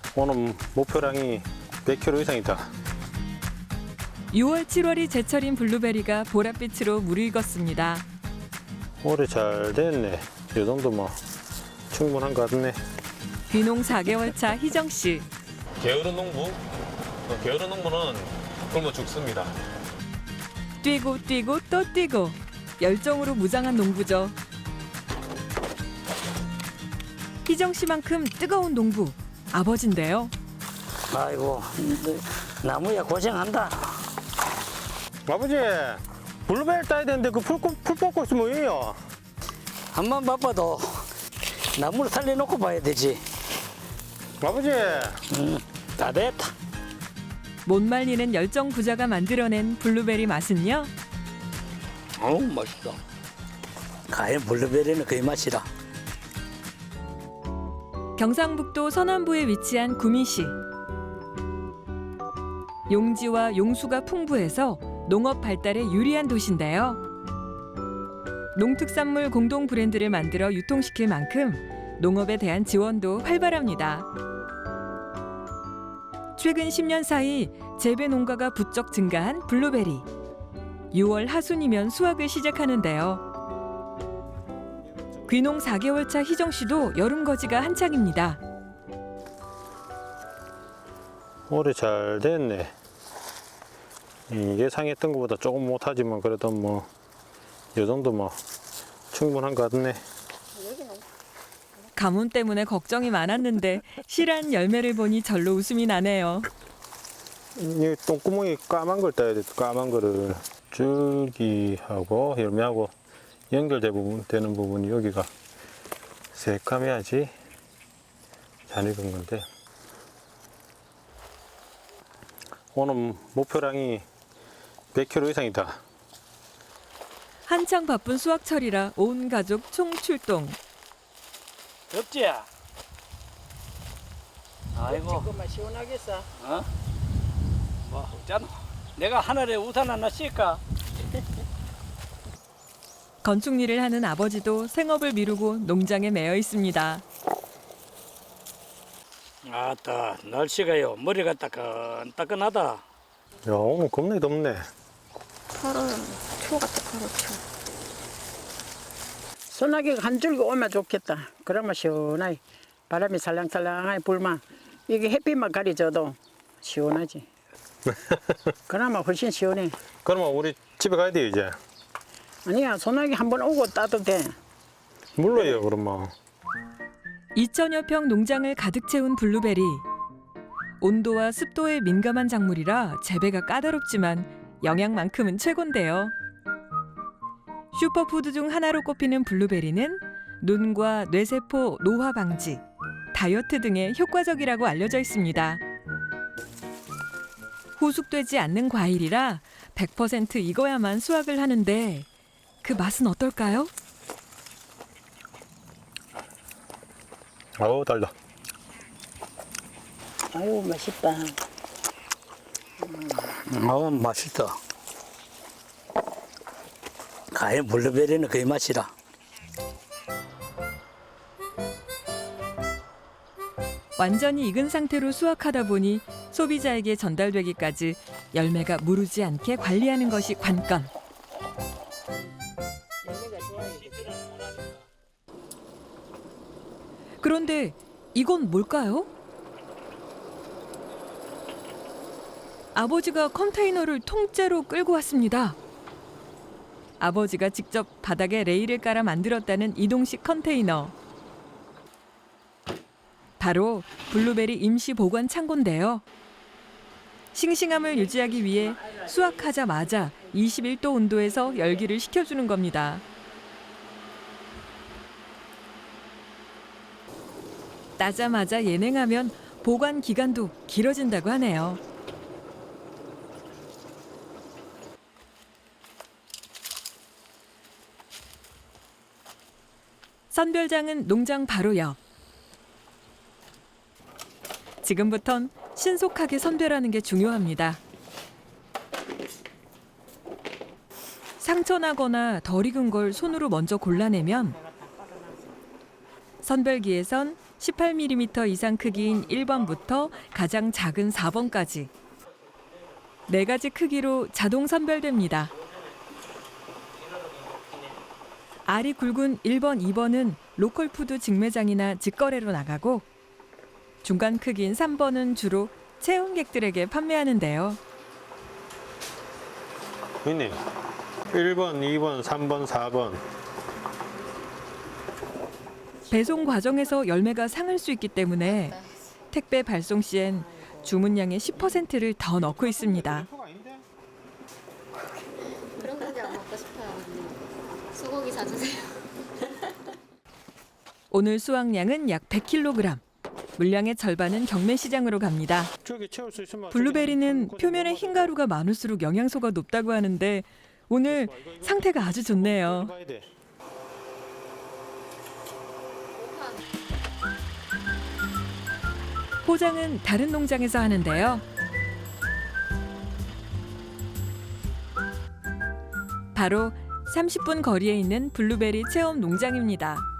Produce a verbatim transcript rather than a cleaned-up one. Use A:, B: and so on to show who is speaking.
A: 오늘 목표량이 백 킬로그램 이상이다.
B: 유월, 칠월이 제철인 블루베리가 보랏빛으로 무르익었습니다.
A: 올해 잘 됐네. 이 정도면 충분한 것 같네.
B: 귀농 사 개월 차 희정 씨.
A: 게으른 농부? 어, 게으른 농부는 굶어 죽습니다.
B: 뛰고 뛰고 또 뛰고 열정으로 무장한 농부죠. 희정 씨만큼 뜨거운 농부 아버지인데요.
C: 아이고, 나무야 고생한다.
A: 아버지, 블루베리 따야 되는데 그 풀, 풀 뽑고 있으면 뭐예요?
C: 한번 바빠도 나무를 살려놓고 봐야 되지.
A: 아버지,
C: 음, 다 됐다.
B: 못 말리는 열정 부자가 만들어낸 블루베리 맛은요?
C: 어우, 맛있어. 과연 블루베리는 그 맛이라.
B: 경상북도 서남부에 위치한 구미시. 용지와 용수가 풍부해서 농업 발달에 유리한 도시인데요. 농특산물 공동 브랜드를 만들어 유통시킬 만큼 농업에 대한 지원도 활발합니다. 최근 십 년 사이 재배 농가가 부쩍 증가한 블루베리. 유월 하순이면 수확을 시작하는데요. 귀농 사 개월 차 희정 씨도 여름 거지가 한창입니다.
A: 올해 잘 됐네. 음, 예상했던 것보다 조금 못하지만 그래도 뭐 이 정도 뭐 충분한 것 같네.
B: 가뭄 때문에 걱정이 많았는데 실한 열매를 보니 절로 웃음이 나네요.
A: 이 똥구멍이 까만 걸 따야 돼. 까만 거를 줄기하고 열매하고 연결되는 부분, 되는 부분이 여기가 새까매야지 잘 익은 건데 오늘 목표량이 백 킬로그램 이상이다.
B: 한창 바쁜 수확철이라 온 가족 총출동.
C: 덥지? 아이고.
D: 조금만 시원하겠어.
C: 어? 뭐 없잖아. 내가 하늘에 우산 하나 씌울까?
B: 건축 일을 하는 아버지도 생업을 미루고 농장에 매여 있습니다.
C: 아따, 날씨가요. 머리가 따끈따끈하다.
A: 야, 오늘 겁나 덥네.
D: 팔월 초 같아, 팔월 초. 소나기가 한 줄기 오면 좋겠다. 그러면 시원하게 바람이 살랑살랑하게 불면 이게 햇빛만 가려져도 시원하지. 그나마 훨씬 시원해.
A: 그러면 우리 집에 가야 돼요 이제.
D: 아니야, 소나기 한번 오고 따도 돼.
A: 물러요 그러면.
B: 이천여 평 농장을 가득 채운 블루베리. 온도와 습도에 민감한 작물이라 재배가 까다롭지만 영양만큼은 최고인데요. 슈퍼푸드 중 하나로 꼽히는 블루베리는 눈과 뇌세포 노화 방지, 다이어트 등에 효과적이라고 알려져 있습니다. 후숙되지 않는 과일이라 백 퍼센트 익어야만 수확을 하는데 그 맛은 어떨까요?
A: 아우 달다.
D: 아유, 맛있다.
C: 어우, 맛있다. 과연 블루베리는 그 맛이라.
B: 완전히 익은 상태로 수확하다 보니 소비자에게 전달되기까지 열매가 무르지 않게 관리하는 것이 관건. 그런데 이건 뭘까요? 아버지가 컨테이너를 통째로 끌고 왔습니다. 아버지가 직접 바닥에 레일을 깔아 만들었다는 이동식 컨테이너. 바로 블루베리 임시 보관 창고인데요. 싱싱함을 유지하기 위해 수확하자마자 이십일 도 온도에서 열기를 식혀주는 겁니다. 따자마자 예냉하면 보관 기간도 길어진다고 하네요. 선별장은 농장 바로 옆. 지금부턴 신속하게 선별하는 게 중요합니다. 상처나거나 덜 익은 걸 손으로 먼저 골라내면 선별기에선 십팔 밀리미터 이상 크기인 일 번부터 가장 작은 사 번까지 네 가지 크기로 자동 선별됩니다. 알이 굵은 일 번, 이 번은 로컬푸드 직매장이나 직거래로 나가고 중간 크기인 삼 번은 주로 체험객들에게 판매하는데요.
A: 있네. 일 번, 이 번, 삼 번, 사 번.
B: 배송 과정에서 열매가 상할 수 있기 때문에 택배 발송 시엔 주문량의 십 퍼센트를 더 넣고 있습니다.
E: 그런 고기 안 먹고 싶어요. 소고기 사주세요.
B: 오늘 수확량은 약 백 킬로그램. 물량의 절반은 경매시장으로 갑니다.
A: 저기 채울 수 있으면
B: 블루베리는 표면에 흰 가루가 많을수록 영양소가 높다고 하는데 오늘 상태가 아주 좋네요.
A: 봐야 돼.
B: 포장은 다른 농장에서 하는데요. 바로 삼십 분 거리에 있는 블루베리 체험 농장입니다.